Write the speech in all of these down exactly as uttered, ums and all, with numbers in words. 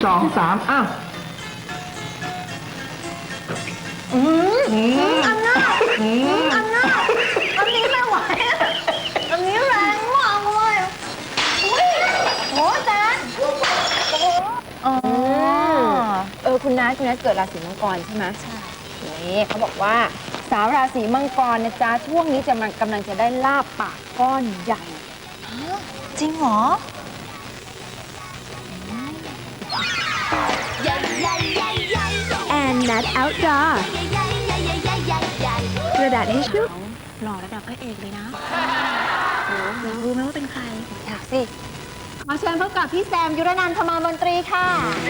สองสามอ้าวอืมอืมอันน่าอืมอันน่าอันนี้ไม่ไหวอันนี้แรงมากเลยอุ้ยโหแจนอ๋อเออคุณนัทคุณนัทเกิดราศีมังกรใช่ไหมใช่นี่เขาบอกว่าสาวราศีมังกรนะจ๊ะช่วงนี้จะมันกำลังจะได้ลาบปากก้อนใหญ่จริงเหรอแอนนัทเอาท์ดอร์กระดาษทิชชู่หล่อระดับพระเอกเลยนะอยากรู้ไหมว่าเป็นใครอยากสิขอเชิญพบกับพี่แซมยุรนันท์ พมรมนตรีค่ะ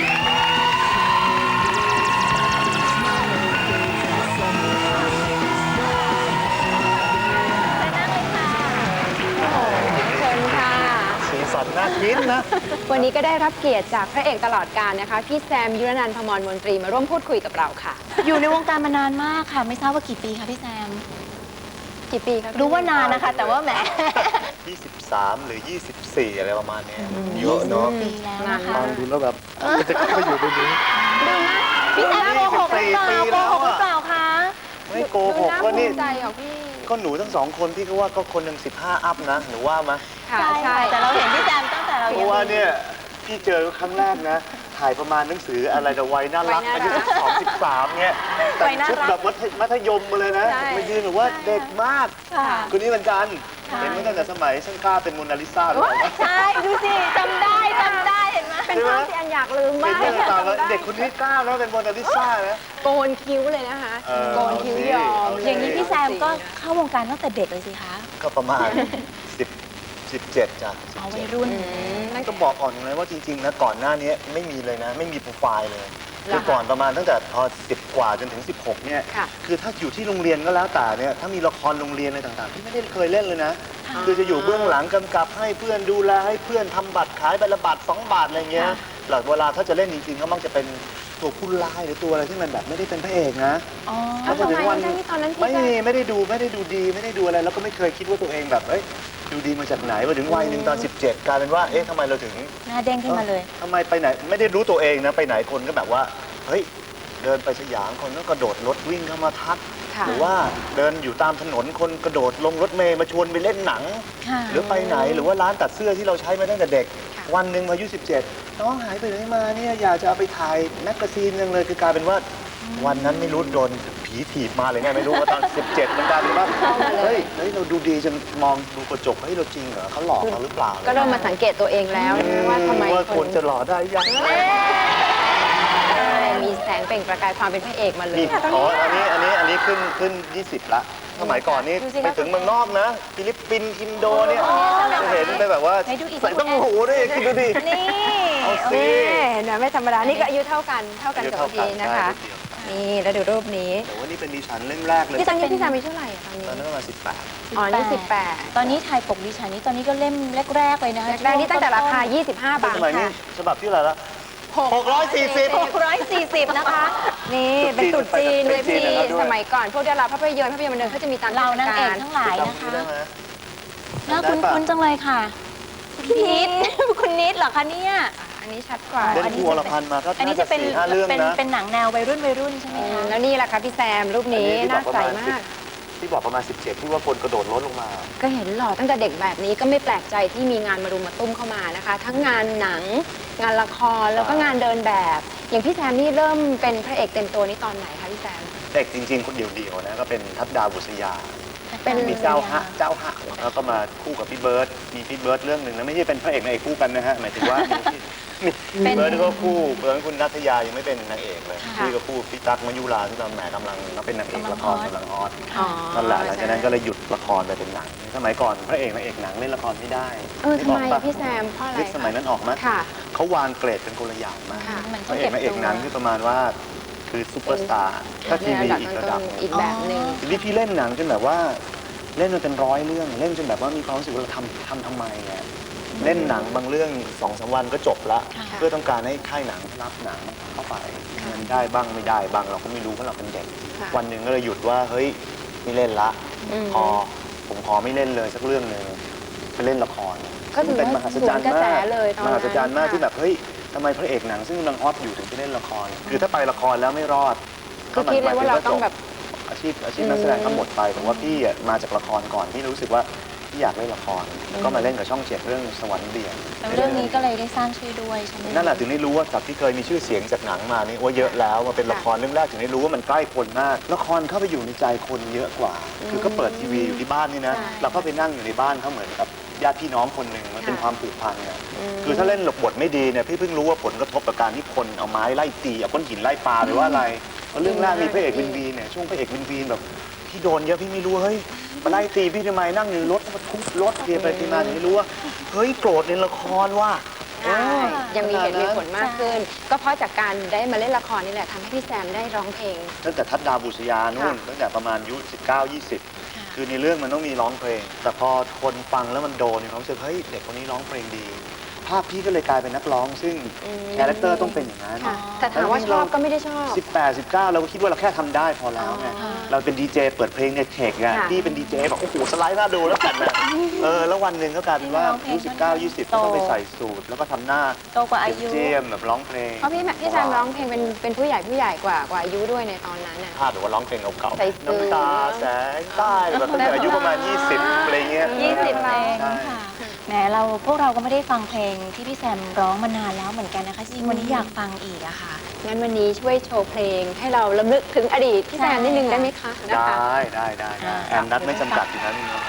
เชิญค่ะสีสันน่ากินนะวันนี้ก็ได้รับเกียรติจากพระเอกตลอดกาลนะคะพี่แซมยุรนันท์ พมรมนตรีมาร่วมพูดคุยกับเราค่ะอยู่ในวงการมานานมากค่ะ ไม่ทราบว่ากี่ปีคะพี่แซมกี่ปีคะรู้ว่านานนะคะ แต่ว่าแหมยี่สิบสาม หรือ ยี่สิบสี่ อะไรประมาณเนี้ยเยอะเนาะปีแล้วนะคะฟังดูแล้วแบบมันจะเข้าไปอยู่ในนี้ดูนะพี่แซมโกหกหรือเปล่าปีโกแล้วหกหรืออะเปล่าคะไม่โกหดูกน่าว่าภูนี่มิใจของพี่ก็หนูทั้งสองคนพี่ก็ว่าก็คนหนึ่งสิบห้าอัพนะหนูว่ามาค่ะใช่ใช่แต่เราเห็นพี่แซมตั้งแต่เราเพยังราะว่าเนี่ยพี่เจอครั้งแรกนะ ถ่ายประมาณหนังสืออะไรแต่วัยน่ารักอายุสิบสองสิบสามเนี่ยแต่งชุดแบบมัธยมมาเลยนะมายืนหนูว่าเด็กมากค่ะคนนี้เหมือนกันเห็นมาตั้งแต่สมัยช่างกล้าเป็นโมนาลิซาหรือเปล่าใช่ดูสิจำได้จำได้เห็นไหมเป็นภาพที่อันอยากลืมเป็มาน กเรื่องต่างแล้วเด็กคนนี้กล้าแล้วเป็นโมนาลิซานะโกนคิ้วเลยนะคะเออโกนคิ้วยอมเอาสิอย่างนี้พี่แซมก็เข้าวงการตั้งแต่เด็กเลยสิคะก็ประมาณสิบ สิบเจ็ดจ้ะเอาวัยรุ่นนั่นก็บอกก่อนเลยว่าจริงๆนะก่อนหน้านี้ไม่มีเลยนะ ไม่มีโปรไฟล์เลยคือก่อนประมาณตั้งแต่พอสิบกว่าจนถึงสิบหกเนี่ยค่ะคือถ้าอยู่ที่โรงเรียนก็แล้วแต่เนี่ยถ้ามีละครโรงเรียนอะไรต่างๆที่ไม่ได้เคยเล่นเลยนะ คือจะอยู่เบื้องหลังกำกับให้เพื่อนดูแลให้เพื่อนทำบัตรขายใบละบาทสองบาทอะไรเงี้ยหลังเวลาถ้าจะเล่นจริงๆก็มักจะเป็นตัวผู้ร้ายหรือตัวอะไรที่มันแบบไม่ได้เป็นพระเอกนะอ๋อแล้วพอถึงวันทำไมที่ตอนนั้นพี่ไม่ก็มีไม่ได้ดูไม่ได้ดูดีไม่ได้ดูอะไรแล้วก็ไม่เคยคิดว่าตัวเองแบบเอ้ยดูดีมาจากไหนมาถึงวัยหนึ่งตอนสิบเจ็ดกลายเป็นว่าเอ๊ะทำไมเราถึงหน้าเด้งขึ้นมาเลยทำไมไปไหนไม่ได้รู้ตัวเองนะไปไหนคนก็แบบว่าเฮ้ยเดินไปสยามคนก็กระโดดรถวิ่งเข้ามาทักค่ะหรือว่าเดินอยู่ตามถนนคนกระโดดลงรถเมล์มาชวนไปเล่นหนังค่ะหรือไปไหนหรือว่าร้านตัดเสื้อที่เราใช้มาตั้งแต่เด็ก วันหนึ่งอายุสิบเจ็ดน้องหายไปไหนมาเนี่ยอยากจะเอาไปถ่ายแมกกาซีนยังเลยคือกลายเป็นว่า วันนั้นไม่รู้โดนผีถีบมาเลยไงไม่รู้ว่าตอนสิบเจ็ดมันกลายเป็นว่าเฮ้ยเฮ้ยเราดูดีจนมองดูกระจกเฮ้ยเราจริงเหรอเขาหลอกเราหรือเปล่าก็เริ่มมาสังเกตตัวเองแล้วนะคะว่าทำไมว่าคคนนจะหล่อได้ยังใช่มีแสงเปล่งประกายความเป็นพระเอกมาเลยนี่อ๋ออันนี้อันนี้อันนี้ขึ้นขึ้นยี่สิบละสมัยก่อนนี่ดูสิคะไปถึงเมืองนอกนะฟิลิปปินส์อินโดเนี่ยจะเห็นไปแบบว่าให้ดูอีกใส่ต้องหูด้วยคิดดูดินี่เอาสินี่เห็นไหมไม่ธรรมดา นี่ก็อายุเท่ากันเท่ากันอายุกับเท่ากันพี่นะคะใช่นี่แล้วดูรูปนี้แต่ว่านี่เป็นดิฉันเล่มแรกเลยพี่ตอนนี้พี่สามีเท่าไหร่อะตอนนี้ตอนนั้นประมาณสิบแปดอ๋อนี่สิบแปดตอนนี้ถ่ายปกดิฉันนี่ตอนนี้ก็เล่มแรกๆเลยนะคะแรกๆนี่ตั้งแต่ราคา ยี่สิบห้าแต่บาทสมัยนี้ค่ะฉบับที่อะไหรละหกร้อยสี่สิบหกร้อยสี่สิบนะคะนี่เป็นตรุ๊จีนเลยเป็นจีพี่นนะครับด้วยสมัยก่อนพวกดาราภาพยนตร์ภาพยนตร์บันเทิงเขาจะมีตามเราเทศนางเอกกาลทั้งหลายนะจำคะได้ไหมน่าคุ้นๆจังเลยค่ะพี่นิด คุณนิดเหรอคะเนี่ยอันนี้ชัดกว่าเล่นครูอรพันธ์มาก็อันนี้น่าจะจะเป็นสี่ห้าเรื่องเป็นนะเป็นหนังแนววัยรุ่นวัยรุ่นใช่ไหมอืมคะแล้วนี่แหละค่ะพี่แซมรูปนี้อัน่าใสที่บอกประณมากสิบที่บอกประมาณสิบเจ็ดที่ว่าคนกระโดดรถลงมาก็เห็นหล่อตั้งแต่เด็กแบบนี้ก็ไม่แปลกใจที่มีงานมารุมมาตุ้มเข้ามานะคะ ทั้งงานหนัง งานละครแล้วก็งานเดินแบบ อย่างพี่แซมนี่เริ่มเป็นพระเอกเต็มตัวนี่ตอนไหนคะพี่แซมเด็กจริงๆ คนเดียวๆนะก็เป็นทัพดาวบุษยาเป็นมีเจ้าฮะเจ้าฮะแล้วก็มาคู่กับพี่เบิร์ดมีพี่เบิร์ดเรื่องหนึ่งนะไม่ใช่เป็นพระเอกนางเอกคู่กันนะฮะหมายถึงว่ามีพี่เบิร์ดก็คู่เบิร์ดคุณนัทยายังไม่เป็นนางเอกเลยพี่ก็คู่พี่ตั๊กมายุราที่ตอนแหมกำลังก็เป็นนางเอกละครกำลังฮอตอ๋อนั่นแหละหลังจากนั้นก็เลยหยุดละครไปเป็นหนังสมัยก่อนพระเอกนางเอกหนังเล่นละครไม่ได้เออทำไมนึกกปะพี่แซมเพราะอะไรยุคสมัยนั้นออกมาค่ะเขาวางเกรดเป็นคนละอย่างมากค่ะมันพต้องระเอเก็กบนางเอกตัวหนังที่ประมาณว่าคือซูเปอร์สตาร์ถ้าทีวีอีกระดับหนึ่งอีกแบบหนึ่งทีนี้พี่เล่นหนังจนแบบว่าเล่นมาเป็นร้อยเรื่องเล่นจนแบบว่ามีความรู้สึกว่าเราทำทำทำไมเนี่ยเล่นหนังบางเรื่องสองสามวันก็จบละค่ะเพื่อต้องการให้ค่ายหนังรับหนังเข้าไปเงินได้บ้างไม่ได้บ้างเราก็ไม่รู้เพราะเราเป็นเด็กค่ะวันหนึ่งก็เลยหยุดว่าเฮ้ยไม่เล่นละอืมพอผมขอไม่เล่นเลยสักเรื่องหนึ่งไปเล่นละครก็ถือว่าเป็นมหัศจรรย์สวนกระแสมากเลยตอนนั้นมหัศจรรย์มากค่ะที่แบบเฮ้ยทำไมพระเอกหนังซึ่งกำลังฮอตอยู่ถึงไปเล่นละคร คือถ้าไปละครแล้วไม่รอดคือคิดเลยว่าเราต้องแบบอาชีพอาชีพนักแสดงก็หมดไปแต่ว่าพี่อะมาจากละครก่อนพี่รู้สึกว่าพี่อยากเล่นละครก็มาเล่นกับช่องเจ็ดเรื่องสวรรค์เบี่ยงแล้วเรื่องนี้ก็เลยได้สร้างชื่อด้วยใช่ไหมนั่นแหละถึงได้รู้ว่าจากที่เคยมีชื่อเสียงจากหนังมานี่ว่าเยอะแล้วมาเป็นละครเรื่องแรกถึงได้รู้ว่ามันใกล้คนมากละครเข้าไปอยู่ในใจคนเยอะกว่า คือก็เปิดทีวีอยู่ที่บ้านนี่นะเราก็ไปนั่งอยู่ในบ้านเขาเหมือนกับญาติพี่น้องคนหนึ่งมันเป็นความผูกพันเนี่ยคือถ้าเล่นหลบบทไม่ดีเนี่ยพี่เพิ่งรู้ว่าผลกระทบกับการที่คนเอาไม้ไล่ตีเอาก้อนหินไล่ปาหรือว่าอะไรเพราะเรื่องแรกมีพระเอกวินวีเนี่ยช่วงพระเอกวินวีแบบพี่โดนเยอะพี่ไม่รู้เฮ้ยมาไล่ตีพี่ทำไมนั่งอยู่รถมาทุบรถเทียไปทีมาถึงไม่รู้ว่าเฮ้ยโกรธในละครว่าใช่ยังมีเหตุมีผลมากขึ้น ก็เพราะจากการได้มาเล่นละครนี่แหละทำให้พี่แซมได้ร้องเพลงตั้งแต่ทัดดาวบุษยานู่นตั้งแต่ประมาณอายุสิบเก้า ยี่สิบคือในเรื่องมันต้องมีร้องเพลง แต่พอคนฟังแล้วมันโดนเนี่ยเขารู้สึกเฮ้ยเด็กคนนี้ร้องเพลงดี ภาพพี่ก็เลยกลายเป็นนักร้อง ซึ่งคาแรคเตอร์ต้องเป็นอย่างนั้นค่ะแต่ถามว่าชอบก็ไม่ได้ชอบสิบแปด สิบเก้าเราก็คิดว่าเราแค่ทำได้พอแล้วไงเราเป็นดีเจเปิดเพลงในเทคไงค่ะพี่เป็นดีเจแบบโอ้โหสไลด์น่าดูแล้วกันนะเออแล้ววันหนึ่งก็กลายเป็นว่าอายุสิบเก้า ยี่สิบก็ต้องไปใส่สูทแล้วก็ทำหน้าโตกว่าอายุเจียมๆแบบร้องเพลงเพราะพี่พี่แซมร้องเพลงเป็นเป็นผู้ใหญ่ผู้ใหญ่กว่ากว่าอายุด้วยในตอนนั้นน่ะภาพหรือว่าร้องเพลงเก่าใส่ๆสูทน้ำตาแสงใต้แบบตั้งแต่อายุประมาณ ยี่สิบอะไรเงี้ยยี่สิบเพลงใช่ค่ะแหมเราพวกเราก็ไม่ได้ฟังเพลงที่พี่แซมร้องมานานแล้วเหมือนกันนะคะจริงๆวันนี้อยากฟังอีกอะค่ะงั้นวันนี้ช่วยโชว์เพลงให้เราลำลึกถึงอดีตพี่แซมนิดนึงได้ไหมคะไดนะคะ้ได้ได้ได้อ่าแอมนัดไม่จำกัดอยู่นั้นเนาะ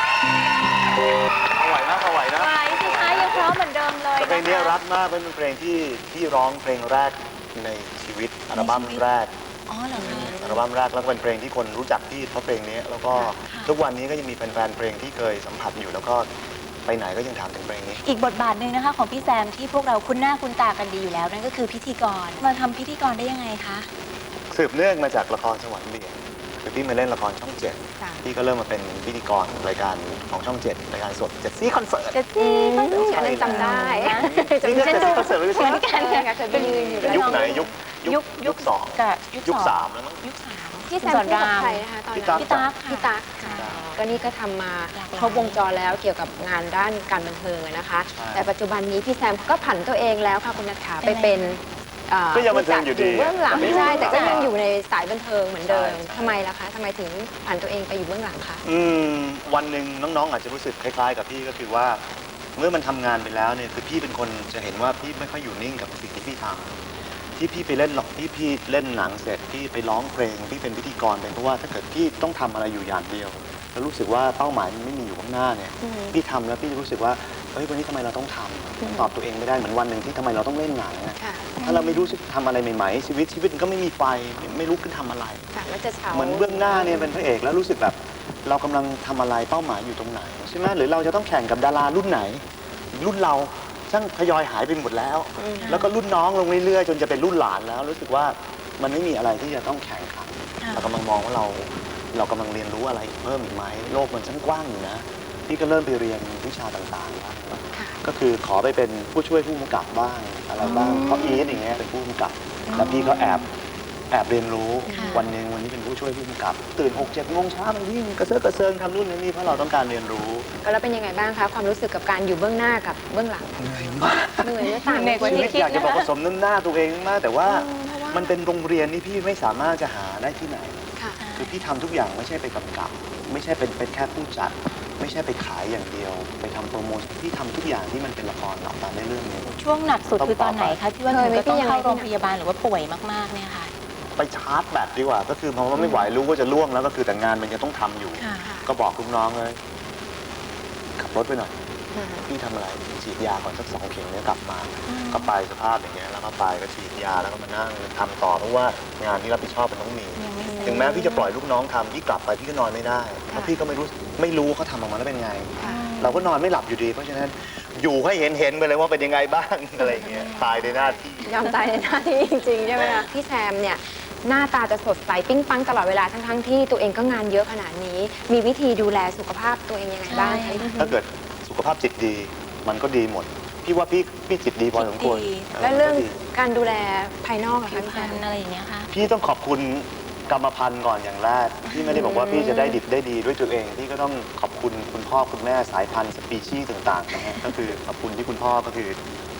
เอาไหวนะเอาไหวนะไหวสิคะยังพร้อมเหมือนเดิมเลยแต่เพลงนี้รักมากเป็นเพลงที่ที่ร้องเพลงแรกในชีวิตอัลบั้มแรกอ๋อเหรอคะอัลบั้มแรกแล้วก็เป็นเพลงที่คนรู้จักพี่เพราะเพลงนี้แล้วก็ทุกวันนี้ก็ยังมีแฟนๆเพลงที่เคยสัมผัสอยู่แล้วก็ไปไหนก็ยังถามถึงเพลงนี้อีกบทบาทหนึ่งนะคะของพี่แซมที่พวกเราคุ้นหน้าคุ้นตากันดีอยู่แล้วนั่นก็คือพิธีกรมาทำพิธีกรได้ยังไงคะสืบเนื่องมาจากละครสวรรค์เบี่ยงคือพี่มาเล่นละครช่องเจ็ดค่ะพี่ก็เริ่มมาเป็นพิธีกรรายการของช่องเจ็ดรายการสดเจ็ดซี่คอนเสิร์ตเจ็ดซี่ก็ดูอันนั้นจำได้นี่ก็เจ็ดซี่คอนเสิร์ตเหมือนกันใช่ค่ะเคยไปยืนอยู่ด้วยยุคไหนยุคยุคยุคสองกับยุคยุคสสาามแล้วมั้งยุคสามพี่แซมคู่กับใครนะคะตอนพี่นั้ตั๊นกพี่ตั๊กค่ะพี่ตั๊กค่ะใช่ก็นี่ก็ทำมาหลากหลายครบวงจรแล้วเกี่ยวกับงานด้านการบันเทิงอะนะคะใช่แต่ปัจจุบันนี้พี่แซมก็ผันตัวเองแล้วค่ะคุณนัทขาไปเป็นเอ่อก็ยังบันเทิงอยู่ดีเบื้องหลังแต่ไม่ใช่แต่ก็ใช่ยังอยู่ในสายบันเทิงเหมือนเดิมใช่ใช่ทำไมล่ะคะทำไมถึงผันตัวเองไปอยู่เบื้องหลังคะอืมวันหนึ่งน้องๆอาจจะรู้สึกคล้ายๆกับพี่ก็คือว่า เมื่อมันทำงานไปแล้วเนี่ยคือพี่เป็นคนจะเห็นว่าพี่ไม่ค่อยอยู่นิ่งกับสิ่งที่พี่ทำที่พี่ไปเล่นหรอกที่พี่เล่นหนังเสร็จพี่ไปร้องเพลงพี่เป็นพิธีกรเป็นเพราะว่าถ้าเกิดพี่ต้องทำอะไรอยู่อย่างเดียว แล้วรู้สึกว่าเป้าหมายมันไม่มีอยู่ข้างหน้าเนี่ยพี่ทำแล้วพี่รู้สึกว่าเฮ้ยวันนี้ทำไมเราต้องทำตอบตัวเองไม่ได้เหมือนวันหนึ่งที่ทำไมเราต้องเล่นหนังอะค่ะถ้าเราไม่รู้สึกทำอะไรใหม่ๆชีวิตชีวิตมันก็ไม่มีไฟไม่ไม่รู้ขึ้นทำอะไรค่ะแล้วจะเฉาเหมือนเบื้องหน้าเนี่ยเป็นพระเอกแล้วรู้สึกแบบเรากำลังทำอะไรเป้าหมายอยู่ตรงไหนใช่ไหมหรือเราจะต้องแข่งกับดารารุ่นไหน รุ่นเราช่างทยอยหายไปหมดแล้ว แล้วก็รุ่นน้องลงเรื่อยๆจนจะเป็นรุ่นหลานแล้วรู้สึกว่ามันไม่มีอะไรที่จะต้องแข่งขันเรากำลังมองว่าเราเรากำลังเรียนรู้อะไรเพิ่มอีกไหมโลกมันช่างกว้างอยู่นะพี่ก็เริ่มไปเรียนวิชาต่างๆบ้างก็คือขอไปเป็นผู้ช่วยผู้กำกับบ้างอะไรบ้างเพราะอีทอย่างเงี้ยเป็นผู้กำกับแล้วพี่ก็แอบแอบเรียนรู้วันหนึ่งวันนี้เป็นผู้ช่วยผู้กำกับ ตื่นหกเจ็ดโมงเช้ามาวิ่งกระเซาะกระเซิงทำนู่นนี่เพราะเราต้องการเรียนรู้ก็แล้วเป็นยังไงบ้างคะความรู้สึกกับการอยู่เบื้องหน้ากับเบื้องหลังเหนื่อยมากเหนื่อยและต่างเหนื่อยกว่าชีที่วิตอยากจะบอกผสมน้ำหน้าตัวเองมากแต่ว่ามันเป็นโรงเรียนที่พี่ไม่สามารถจะหาได้ที่ไหนค่ะคือพี่ทำทุกอย่างไม่ใช่ไปกำกับ ไม่ใช่เป็นเป็นแค่ผู้จัด ไม่ใช่ไปขายอย่างเดียว ไปทำโปรโมชั่นพี่ทำทุกอย่างที่มันเป็นละครหลักการได้เรื่องนี้ช่วงหนักสุดคือตอนไหนคะที่ว่าเคถึยงไหมก็ต้องพี่ยังไงเข้าโรงพยาบาลหรือว่าป่วยมากๆเนี่ยค่ะไปชาร์จแบตดีกว่า ก็คือพอว่าไม่ไหวรู้ว่าจะล่วงแล้วก็คือแต่งานมันยังต้องทำอยู่ค่ะก็บอกลูกน้องเลยขับรถไปหน่อยพี่ทำอะไรฉีดยาก่อนสักสองเข็มเนี่ยกลับมา ก็ไปสภาพอย่างเงี้ยแล้วก็ไปก็ฉีดยาแล้วก็มานั่งทำต่อเพราะว่างานที่รับผิดชอบมันต้องมียังไม่เสร็จถึงแม้พี่จะปล่อยลูกน้องทำพี่กลับไปพี่ก็นอนไม่ได้เพราะพี่ก็ไม่รู้ไม่รู้เขาทำออกมาแล้วเป็นไง เราก็นอนไม่หลับอยู่ดี เพราะฉะนั้นอยู่ให้เห็นเห็นไปเลยว่าเป็นยังไงบ้าง อะไรอย่างเงี้ยตายในหน้าที่ยอมตายในหน้าที่จริงๆใช่ไหมคะพี่แซมเนี่ยหน้าตาจะสดใสปิ้งปังตลอดเวลาทั้งๆที่ตัวเองก็งานเยอะขนาดนี้ มีวิธีดูแลสุขภาพตัวเองยังไงบ้างคะถ้าเกิดสุขภาพจิตดี มันก็ดีหมด พี่ว่าพี่พี่จิตดีพอสมควรจิตดีและเรื่องก็ดีการดูแลภายนอกอะผิคะวพี่พแซรรมณอะไรอย่างเงี้ยค่ะพี่ต้องขอบคุณกรรมพันธุ์ก่อนอย่างแรกพี่ไม่ได้บอกว่าพี่จะได้ดิบได้ดีด้วยตัวเองพี่ก็ต้องขอบคุณคุณพ่อคุณแม่สายพันธุ์สปีชีส์ต่างๆนะฮะก็คือขอบคุณที่คุณพ่อก็คือ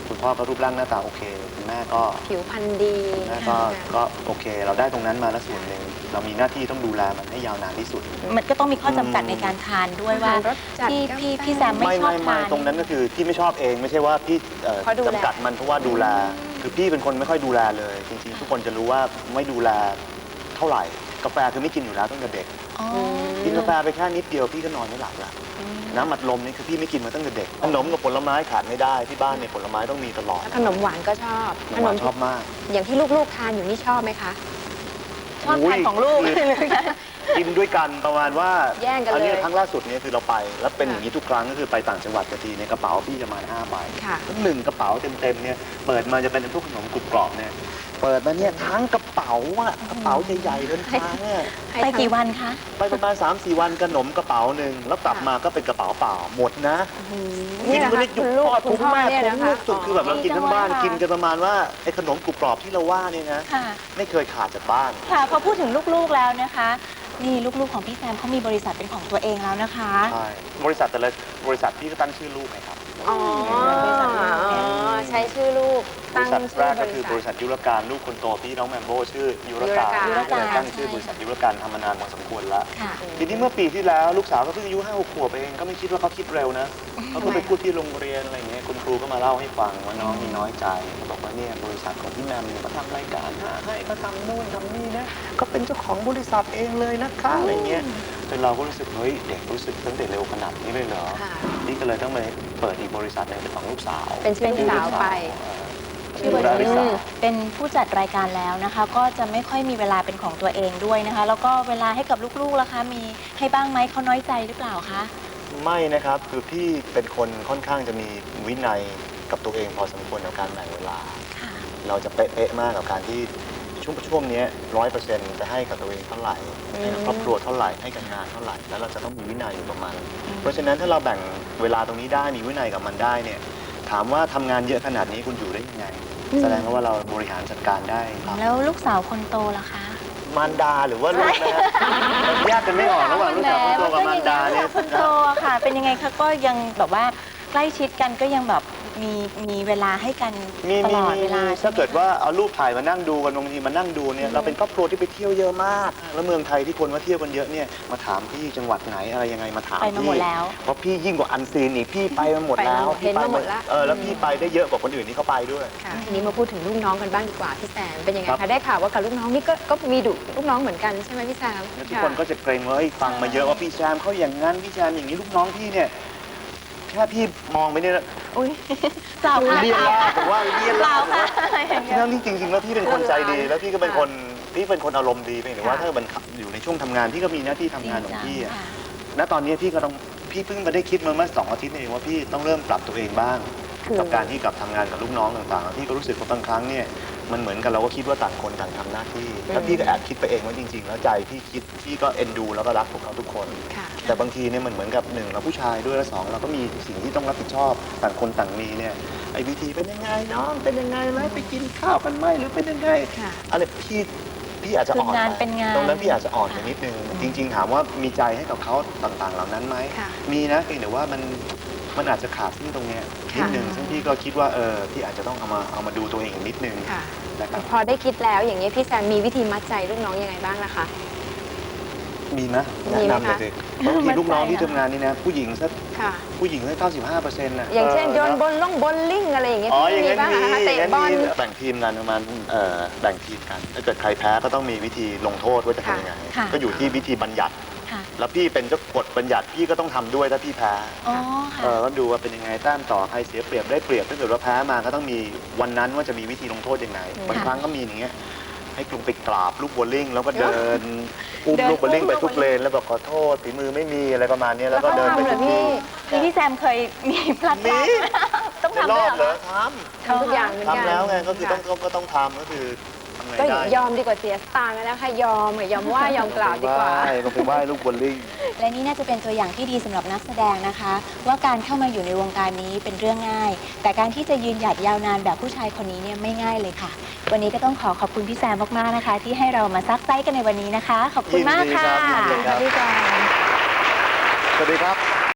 คุณพ่อก็รูปร่างหน้าตาโอเคคุณแม่ก็ผิวพรรณดีคุณแม่ก็ก็โอเค เราได้ตรงนั้นมาแล้วส่วนหนึ่งเรามีหน้าที่ต้องดูแลมันให้ยาวนานที่สุดมันก็ต้องมีข้อจำกัดในการทานด้วยว่ารสจัดพี่กาแฟพี่พี่แซมไม่ชอบไม่ทานตรงนั้นก็คือพี่ไม่ชอบเองไม่ใช่ว่าพี่เอ่อเพราะดูแลจำกัดมันเพราะว่าดูแล คือพี่เป็นคนไม่ค่อยดูแลเลย จริงๆ ทุกคนจะรู้ว่าไม่ดูแลเท่าไหร่กาแฟคือไม่กินอยู่แล้วตั้งแต่เด็กอ๋อกินกาแฟไปแค่นิดเดียวพี่ก็นอนไม่หลับละน้ำอัดลมนี่คือพี่ไม่กินมาตั้งแต่เด็กขนมกับผลไม้ขาดไม่ได้ที่บ้านเนี่ยผลไม้ต้องมีตลอดขนมหวานก็ชอบขนมหวานชอบมากอย่างที่ลูกๆทานอยู่นี่ชอบไหมคะชอบทานของลูกคือกินด้วยกันประมาณว่าแย่งกันเลยอันี้ครั้งล่าสุดเนี่ยคือเราไป แล้วเป็นอย่างนี้ทุกครั้งก็คือไปต่างจังหวัดกันทีในกระเป๋าพี่จะมาห้าใบค่ะแล้วหนึ่งกระเป๋าเต็มๆเนี่ยเปิดมาจะเป็นพวกขนมกรุบกรอบเนี่ยเปิดมาเนี่ยทั้งกระเป๋าอะกระเป๋าใหญ่ๆเดินทางเนี่ยไปกี่วันคะไปประมาณ สามสี่ วันขนมกระเป๋าหนึ่งแล้วกลับมาก็เป็นกระเป๋าเปล่าหมดนะนี่แหละไม่ค่ะได้หยุคุดณลูกทอดคุทุณกพ่อแม่เนี่ยทุนะกคะลูกสุดคือแบบเรากินทั้งบ้านดีจังเลยค่ะกินกันประมาณว่าไอ้ขนมกรุบกรอบที่เราว่าเนี่ยนะค่ะไม่เคยขาดจากบ้านค่ะพอพูดถึงลูกๆแล้วนะคะ นี่ลูกๆของพี่แซมเขามีบริษัทเป็นของตัวเองแล้วนะคะใช่บริษัทแต่ละบริษัทพี่ก็ตั้งชื่อลูกไงครับอ๋อใช้ชื่อลูกบตั้ริงษัทชื่แรอกก็บคือริบริษัษัททยุรการลูกคนโตพี่น้องแมมโบชื่อยุรการยุรการก็เลยตั้งชื่อบริษัทยุรการทำมานานพอสมควรแล้วค่ะทีนี้เมื่อปีที่แล้วลูกสาวก็เพิ่งอายุห้าหกขวบเองก็ไม่คิดว่าเขาคิดเร็วนะเขาก็ไปพูดที่โรงเรียนอะไรเงี้ยคุณครูก็มาเล่าให้ฟังว่าน้องมีน้อยใจเขาบอกว่าเนี่ยบริษัทของพี่แมมเนี่ยเขาทำรายการหาให้เขาทำนู่นทำนี่นะก็เป็นเจ้าของบริษัทเองเลยนะคะอะไรเงี้ยจนเราก็รู้สึกเฮ้ยเด็กรู้สึกตั้งแต่เร็วขนาดนี้เลยเหรอค่ะนี่ก็เลยต้องไปเปิดอีกบริษัทหนึงเป็นของลูกสาวเป็นชื่อลูกสาวไปชื่อชื่อว่าราริสาเป็นผู้จัดรายการแล้วนะคะ ก็จะไม่ค่อยมีเวลาเป็นของตัวเองด้วยนะคะ แล้วก็เวลาให้กับลูกๆล่ะคะ มีให้บ้างไหมเขาน้อยใจหรือเปล่าคะไม่นะครับคือพี่เป็นคนค่อนข้างจะมีวินัยกับตัวเองพอสมควรกับการแบ่งเวลาค่ะเราจะเป๊ะๆมากกับการที่ช่วงช่วงนี้ร้อยเปอร์เซ็นต์จะให้กับตัวเองเท่าไหร่ให้กับครอบครัวเท่าไหร่ให้กับงานเท่าไหร่แล้วเราจะต้องมีวินัยอยู่กับมัน เพราะฉะนั้นถ้าเราแบ่งเวลาตรงนี้ได้มีวินัยกับมันได้เนี่ยถามว่าทำงานเยอะขนาดนี้คุณอยู่ได้ยังไง แสดงว่าเราบริหารจัดการได้ครับแล้วลูกสาวคนโตล่ะคะมารดาหรือว่าลูกนะฮะมันแยกกันไม่ออกระหว่างลูกสาวคนโตกับมารดาเนี่ยคนโตอะค่ะ เป็นยังไงคะก็ยังแบบว่าใกล้ชิดกันก็ยังแบบมีมีเวลาให้กันมีตมีลอดมีเวลาถ้าเกิดว่าเอารูปถ่ายมานั่งดูกันบางทีมานั่งดูเนี่ยเราเป็นครอบครัวที่ไปเที่ยวเยอะมาก แล้วเมืองไทยที่คนมาเที่ยวกันเยอะเนี่ยมาถามพี่จังหวัดไหนอะไรยังไงมาถามไปมาพี่หมดแล้วเพราะพี่ยิ่งกว่าอันซีนอีกพี่ไปมาหมดแล้วไปมาหมดเห็นมาหมดละเออแล้วพี่ไปได้เยอะกว่าคนอื่นที่เขาไปด้วยค่ะทีนี้มาพูดถึงลูกน้องกันบ้างดีกว่าพี่แซมเป็นยังไงครัคะบได้ข่าวว่ากับลูกน้องนี่ก็ก็มีดุลูกน้องเหมือนกันใช่ไหมพี่แซมแล้วทุกคนก็จะเกรงว่าเฮ้ยฟังมาเยอะว่าพี่แซมเขาอย่างนั้นพี่แซมอย่างนี้ลูกน้องพี่เนี่ยแค่พี่มองไปเนี่ยอุ้ยเปล่าค่ะเรียนล่าผมว่าเรียนเปล่าล่าค่ะอย่างเงี้ยทั้งที่จริงๆแล้วพี่เป็นคนใจดี แล้วพี่ก็เป็นค่ะคนพี่เป็นคนอารมณ์ดีเพียงแต่ว่าค่ะถ้ามันอยู่ในช่วงทำงานพี่ก็มีหน้าที่ทำงานของพี่อะค่ะณตอนนี้พี่ก็ต้องพี่เพิ่งมาได้คิดมาเมื่อสองอาทิตย์นี่เองว่าพี่ต้องเริ่มปรับตัวเองบ้างคือกับการที่กลับทำงานกับลูกน้องต่างๆพี่ก็รู้สึกว่าบางครั้งเนี่ยมันเหมือนกันเราก็คิดว่าต่างคนต่างทำหน้าที่แล้วพี่ก็แอบคิดไปเองว่าจริง ๆ แล้วใจพี่คิดพี่ก็เอ็นดูแล้วก็รักพวกเขาทุกคนค่ะแต่บางทีเนี่ยมันเหมือนกับหนึ่งเราผู้ชายด้วยและสองเราก็มีสิ่งที่ต้องรับผิดชอบต่างคนต่างมีเนี่ยไอ้วิธีเป็นยังไงน้องเป็นยังไงแล้วไปกินข้าวกันไหมหรือเป็นยังไงค่ะอะไรพี่พี่อาจจะอ่อนคืองานไปเป็นงานตรงนั้นพี่อาจจะอ่อนไปนิดนึงจริง ๆ ถามว่ามีใจให้กับเขาต่างๆ เหล่านั้นไหมค่ะมีนะเพียงแต่ว่ามันมันอาจจะขาดที่ตรงเนี้ยนิดนึงซึ่งพี่ก็คิดว่าเออพี่อาจจะต้องเอามาเอามาดูตัวเองอีกนิดนึงค่ะนะครับพอได้คิดแล้วอย่างนี้ยพี่แซมมีวิธีมัดใจลูกน้องยังไงบ้างนะคะมีไหมมีแนะไหมนำเลยคะสิบางทีลูกน้องที่ทำงานนี่นะผู้หญิงสักค่ะผู้หญิงสักเก้าสิบห้าเปอร์เซ็นต์นะอย่างเช่นโยนออบอลล่องบอลลิงอะไรอย่างเงี้ยอ๋ออพี่ย่างมีนั้นบ้างมีเหรอคะอเตะย่างนั้นบอลมีแบ่งทีมกันประมาณเอ่อแบ่งทีมกันถ้าเกิดใครแพ้ก็ต้องมีวิธีลงโทษว่าจะทำยังไงค่ะก็อยู่ที่วิธีบัญญัติค่ะแล้วพี่เป็นเจ้ากฎบัญญัติพี่ก็ต้องทำด้วยถ้าพี่แพ้อ๋อเอค่ะอก็ดูว่าเป็นยังไงแต้มต่อใครเสียเปรียบได้เปรียบถ้าเกิดว่าแพ้มาก็ต้องมีวันนั้นว่าจะมีวิธีลงโทษยังไงบางครั้งก็มีอย่างเงี้ยให้กลุ่มไปกราบลูกโบว์ลิ่งแล้วก็เดินอุ้มเดินลูกโบว์ลิ่งอุ้มไปลูกทุกเลนแล้วบอกขอโทษฝีมือไม่มีอะไรประมาณเนี้ยแล้วก็แล้วเดินเขาไปทำเหรทุอก พี่ที่นี่พี่แซมเคยมีพลัดพมีรากไหมต้องในทำรด้อวยบเหเหรรออคะททำทุกอย่างเหมือนำกันทำแล้วไงก็คือต้องค่ะก็ต้องทำก็คือทำไงก็ได้ยอมดีกว่าเสียสตางค์แล้วค่ะยอมยอมว่ายอมกราบดีกว่าลงไปไหว้ลูกโบว์ลิ่งและนี่น่าจะเป็นตัวอย่างที่ดีสำหรับนักแสดงนะคะ ว่าการเข้ามาอยู่ในวงการนี้เป็นเรื่องง่าย แต่การที่จะยืนหยัดยาวนานแบบผู้ชายคนนี้เนี่ยไม่ง่ายเลยค่ะ วันนี้ก็ต้องขอขอบคุณพี่แซมมากๆนะคะ ที่ให้เรามาซักไซส์กันในวันนี้นะคะ ขอบคุณมากค่ะยินดีครับยินดีครับพี่แซมสวัสดีครับ